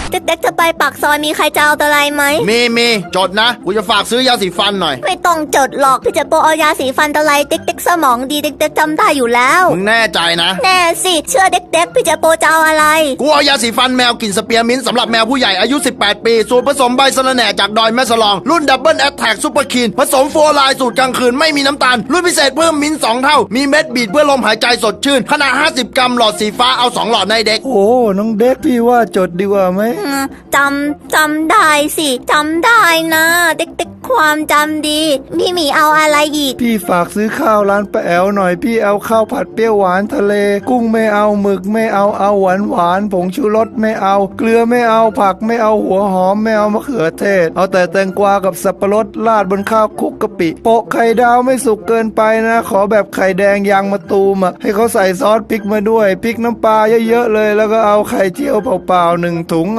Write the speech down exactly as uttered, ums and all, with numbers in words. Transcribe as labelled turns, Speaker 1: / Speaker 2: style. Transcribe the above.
Speaker 1: เด็กๆจะไปปากซอยมีใครจะเอาอะไรไหม
Speaker 2: มีมีจดนะกูจะฝากซื้อยาสีฟันหน่อย
Speaker 1: ไม่ต้องจดหรอกพี่เจโปเอายาสีฟันอะไรเด็กๆสมองดีเด็กๆจำได้อยู่แล้ว
Speaker 2: มึงแน่ใจนะ
Speaker 1: แน่สิเชื่อเด็กๆพี่เจโปจะเอาอะไร
Speaker 2: กูเอายาสีฟันแมวกลิ่นสเปียร์มินต์สำหรับแมวผู้ใหญ่อายุสิบแปดปีสูตรผสมใบสะระแหน่จากดอยแม่สลองรุ่นดับเบิลแอตแทกซุปเปอร์คีนผสมโฟร์ไลน์สูตรกลางคืนไม่มีน้ำตาลรุ่นพิเศษเพิ่มมิ้นท์สองเท่ามีเม็ดบีดเพื่อลมหายใจสดชื่นขนาดห้าสิบกรัมหลอดสีฟ้าเอาสองหลอดในเด็ก
Speaker 3: โอ้น้องเด็กพี่ว่าจดดีกว่าไหม
Speaker 1: จำจำได้สิจำได้นะเด็กๆความจำดีพี่หมีเอาอะไรอีก
Speaker 3: พี่ฝากซื้อข้าวร้านป้าแอวหน่อยพี่เอาข้าวผัดเปรี้ยวหวานทะเลกุ้งไม่เอาหมึกไม่เอาเอาหวานหวานผงชูรสไม่เอาเกลือไม่เอาผักไม่เอาหัวหอมไม่เอามะเขือเทศเอาแต่แตงกวากับสับปะรดราดบนข้าวคลุกกะปิโปะไข่ดาวไม่สุกเกินไปนะขอแบบไข่แดงยางมะตูมอ่ะให้เขาใส่ซอสพริกมาด้วยพริกน้ำปลาเยอะๆเลยแล้วก็เอาไข่เจียวเปล่าๆหนึ่งถุง